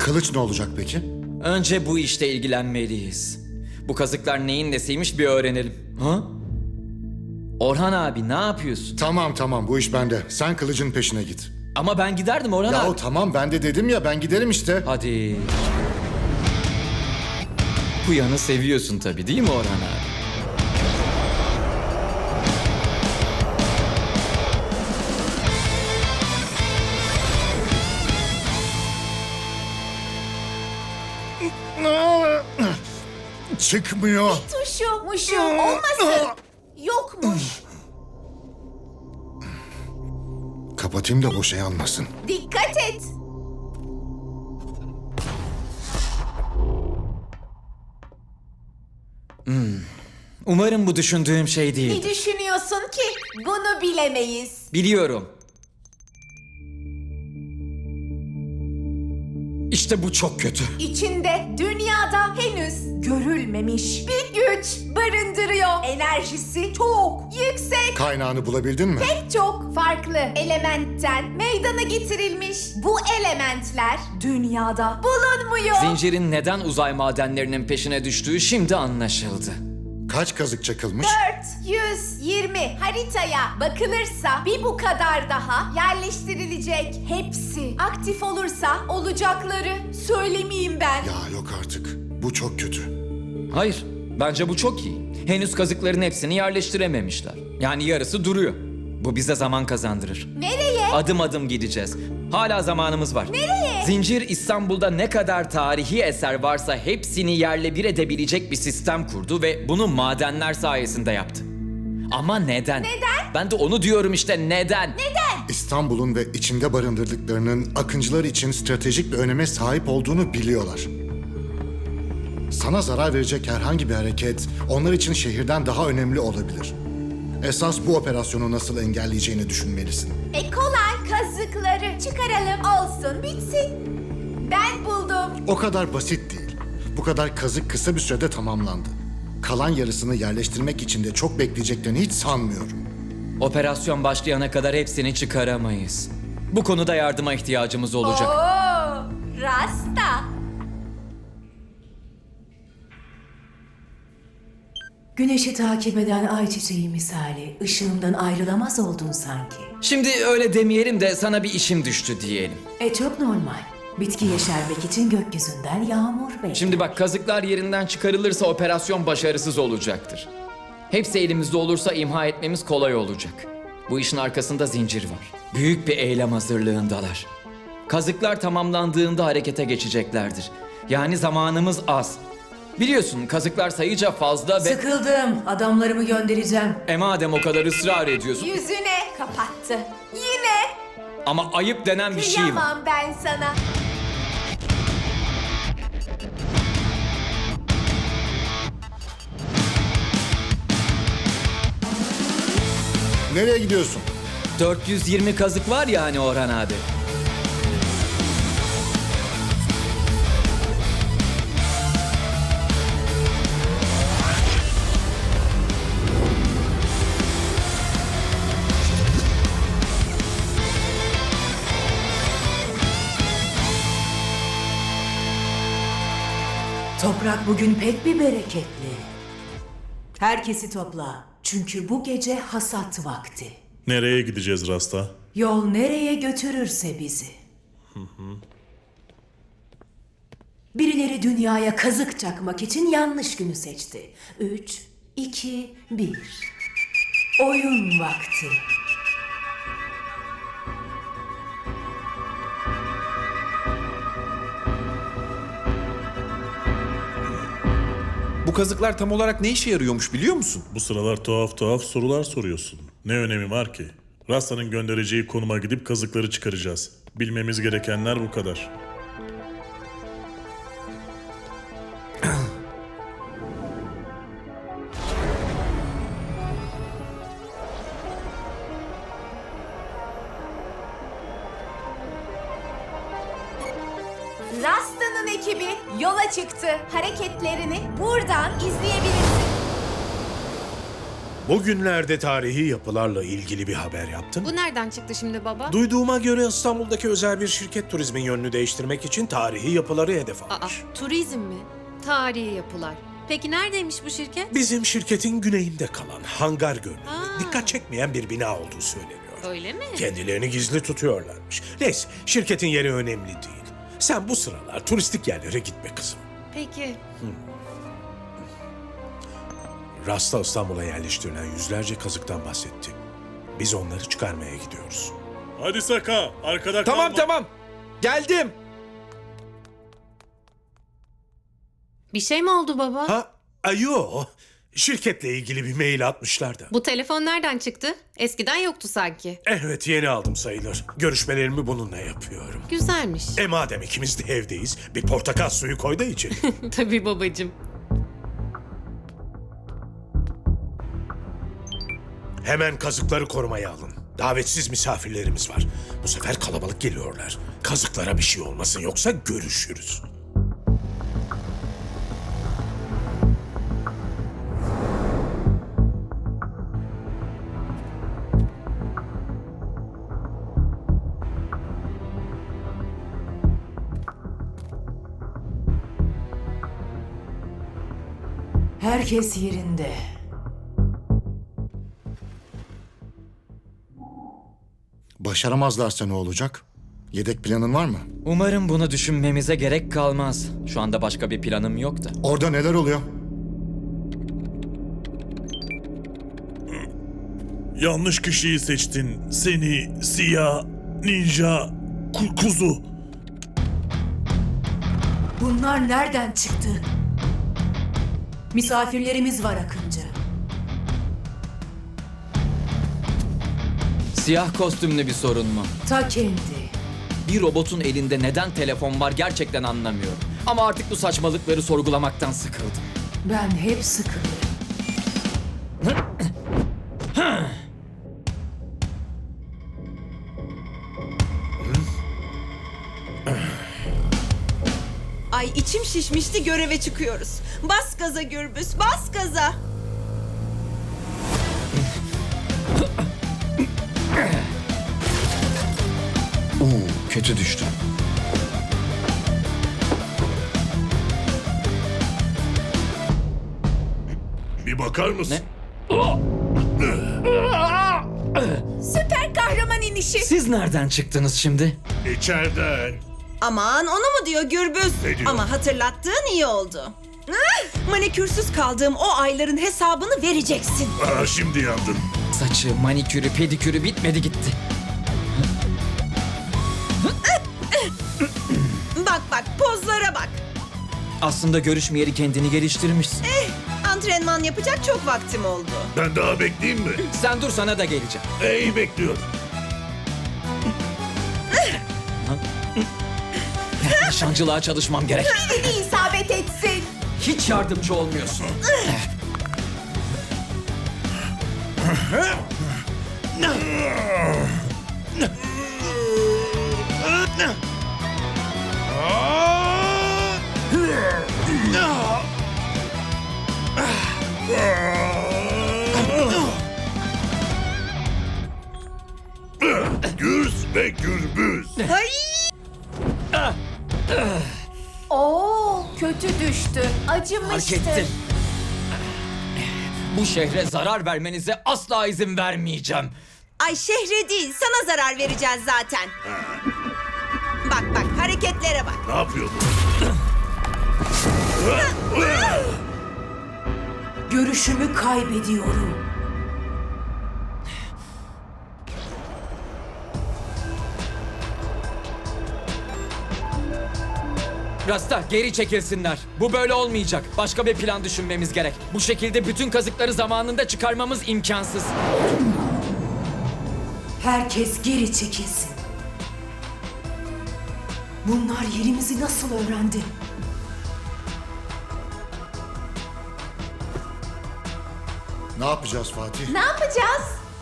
Kılıç ne olacak peki? Önce bu işle ilgilenmeliyiz. Bu kazıklar neyin nesiymiş bir öğrenelim. Ha? Orhan abi ne yapıyorsun? Tamam bu iş bende. Sen kılıcın peşine git. Ama ben giderdim Orhan Yahu abi. tamam ben de dedim ya ben giderim işte. Hadi. Bu yanı seviyorsun tabii değil mi Orhan abi? Çıkmıyor. Tuşu, muşu olmasın. Yokmuş. Kapatayım da boşa yanmasın. Dikkat et. Umarım bu düşündüğüm şey Ne değil. düşünüyorsun ki? Bunu bilemeyiz. Biliyorum. İşte bu çok kötü. İçinde dünyada henüz görülmemiş bir güç barındırıyor. Enerjisi çok yüksek. Kaynağını bulabildin mi? Çok farklı elementten meydana getirilmiş. Bu elementler dünyada bulunmuyor. Zincirin neden uzay madenlerinin peşine düştüğü şimdi anlaşıldı. Kaç kazık çakılmış? 420 haritaya bakılırsa bir bu kadar daha yerleştirilecek. Hepsi aktif olursa olacakları söylemeyeyim ben. Ya yok artık. Bu çok kötü. Hayır, bence bu çok iyi. Henüz kazıkların hepsini yerleştirememişler. Yani yarısı duruyor. Bu bize zaman kazandırır. Nereye? Adım adım gideceğiz. Hala zamanımız var. Nereye? Zincir İstanbul'da ne kadar tarihi eser varsa hepsini yerle bir edebilecek bir sistem kurdu ve bunu madenler sayesinde yaptı. Ama neden? Neden? Ben de onu diyorum işte neden? İstanbul'un ve içinde barındırdıklarının akıncılar için stratejik bir öneme sahip olduğunu biliyorlar. Sana zarar verecek herhangi bir hareket onlar için şehirden daha önemli olabilir. Esas bu operasyonu nasıl engelleyeceğini düşünmelisin. Kolay kazıkları çıkaralım olsun bitsin. Ben buldum. O kadar basit değil. Bu kadar kazık kısa bir sürede tamamlandı. Kalan yarısını yerleştirmek için de çok bekleyeceklerini hiç sanmıyorum. Operasyon başlayana kadar hepsini çıkaramayız. Bu konuda yardıma ihtiyacımız olacak. Oo, Rasta. Güneşi takip eden ay çiçeği misali ışığımdan ayrılamaz oldun sanki. Şimdi öyle demeyelim de sana bir işim düştü diyelim. Çok normal. Bitki yeşermek için gökyüzünden yağmur bekler. Şimdi bak kazıklar yerinden çıkarılırsa operasyon başarısız olacaktır. Hepsi elimizde olursa imha etmemiz kolay olacak. Bu işin arkasında zincir var. Büyük bir eylem hazırlığındalar. Kazıklar tamamlandığında harekete geçeceklerdir. Yani zamanımız az. Biliyorsun kazıklar sayıca fazla ve... Sıkıldım. Adamlarımı göndereceğim. Madem o kadar ısrar ediyorsun. Yüzüne kapattı. Yine. Ama ayıp denen bir şey var. Kıyamam ben sana. Nereye gidiyorsun? 420 kazık var ya hani Orhan abi. Toprak bugün pek bir bereketli. Herkesi topla. Çünkü bu gece hasat vakti. Nereye gideceğiz Rasta? Yol nereye götürürse bizi. Birileri dünyaya kazık çakmak için yanlış günü seçti. 3, 2, 1. Oyun vakti. Bu kazıklar tam olarak ne işe yarıyormuş biliyor musun? Bu sıralar tuhaf sorular soruyorsun. Ne önemi var ki? Rasta'nın göndereceği konuma gidip kazıkları çıkaracağız. Bilmemiz gerekenler bu kadar. Rasta'nın ekibi yola çıktı. Hareketlerini buradan izleyebilirsin. Bugünlerde tarihi yapılarla ilgili bir haber yaptın mı? Bu nereden çıktı şimdi baba? Duyduğuma göre İstanbul'daki özel bir şirket turizmin yönünü değiştirmek için tarihi yapıları hedef Aa, almış. turizm mi? Tarihi yapılar. Peki neredeymiş bu şirket? Bizim şirketin güneyinde kalan hangar görünümlü, Aa. dikkat çekmeyen bir bina olduğu söyleniyor. Öyle mi? Kendilerini gizli tutuyorlarmış. Neyse, şirketin yeri önemli değil. Sen bu sıralar turistik yerlere gitme kızım. Peki. Rasta İstanbul'a yerleştirilen yüzlerce kazıktan bahsetti. Biz onları çıkarmaya gidiyoruz. Hadi Saka, arkada Tamam kalma. tamam. Geldim. Bir şey mi oldu baba? Ha, ayo. Şirketle ilgili bir mail atmışlar da. Bu telefon nereden çıktı? Eskiden yoktu sanki. Evet, yeni aldım sayılır. Görüşmelerimi bununla yapıyorum. Güzelmiş. Madem ikimiz de evdeyiz, bir portakal suyu koy da içelim. Tabii babacığım. Hemen kazıkları korumaya alın. Davetsiz misafirlerimiz var. Bu sefer kalabalık geliyorlar. Kazıklara bir şey olmasın, yoksa görüşürüz. Herkes yerinde. Başaramazlarsa ne olacak? Yedek planın var mı? Umarım bunu düşünmemize gerek kalmaz. Şu anda başka bir planım yok da. Orada neler oluyor? Yanlış kişiyi seçtin. Seni, siyah, ninja, kuzu. Bunlar nereden çıktı? Misafirlerimiz var Akıncı. Siyah kostümlü bir sorun mu? Ta kendi. Bir robotun elinde neden telefon var gerçekten anlamıyorum. Ama artık bu saçmalıkları sorgulamaktan sıkıldım. Ben hep sıkılırım. Ay içim şişmişti, göreve çıkıyoruz. Bas gaza Gürbüz, bas gaza. Kötü düştü. Bir bakar mısın? Süper kahraman inişi. Siz nereden çıktınız şimdi? İçeriden. Aman onu mu diyor Gürbüz? Ne diyor? Ama hatırlattığın iyi oldu. Manikürsüz kaldığım o ayların hesabını vereceksin. Şimdi yandın. Saçı, manikürü, pedikürü bitmedi gitti. Bak bak, pozlara bak. Aslında görüşmeyeli kendini geliştirmişsin. Antrenman yapacak çok vaktim oldu. Ben daha bekleyeyim mi? Sen dur, sana da geleceğim. İyi bekliyorum. Nişancılığa çalışmam gerek. Birini isabet etsin. Hiç yardımcı olmuyorsun. Gürs ve gürbüz. Oo, kötü düştü. Fark Acımıştır. ettim. Bu şehre zarar vermenize asla izin vermeyeceğim. Ay şehre değil, sana zarar vereceğiz zaten. Bak bak, hareketlere bak. Ne yapıyordun? Görüşümü kaybediyorum. Rasta, geri çekilsinler. Bu böyle olmayacak. Başka bir plan düşünmemiz gerek. Bu şekilde bütün kazıkları zamanında çıkarmamız imkansız. Herkes geri çekilsin. Bunlar yerimizi nasıl öğrendi? Ne yapacağız Fatih? Ne yapacağız?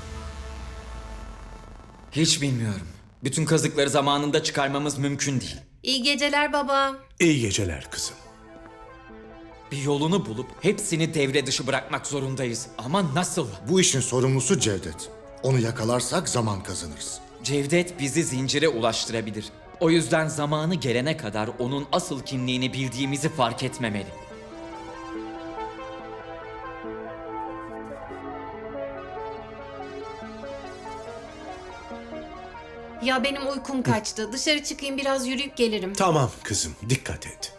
Hiç bilmiyorum. Bütün kazıkları zamanında çıkarmamız mümkün değil. İyi geceler baba. İyi geceler kızım. Bir yolunu bulup hepsini devre dışı bırakmak zorundayız. Ama nasıl? Bu işin sorumlusu Cevdet. Onu yakalarsak zaman kazanırız. Cevdet bizi zincire ulaştırabilir. O yüzden zamanı gelene kadar onun asıl kimliğini bildiğimizi fark etmemeli. Ya benim uykum kaçtı. Dışarı çıkayım biraz yürüyüp gelirim. Tamam kızım, dikkat et.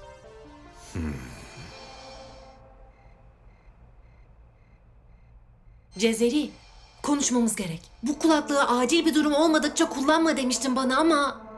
Cezeri, konuşmamız gerek. Bu kulaklığı acil bir durum olmadıkça kullanma demiştin bana ama...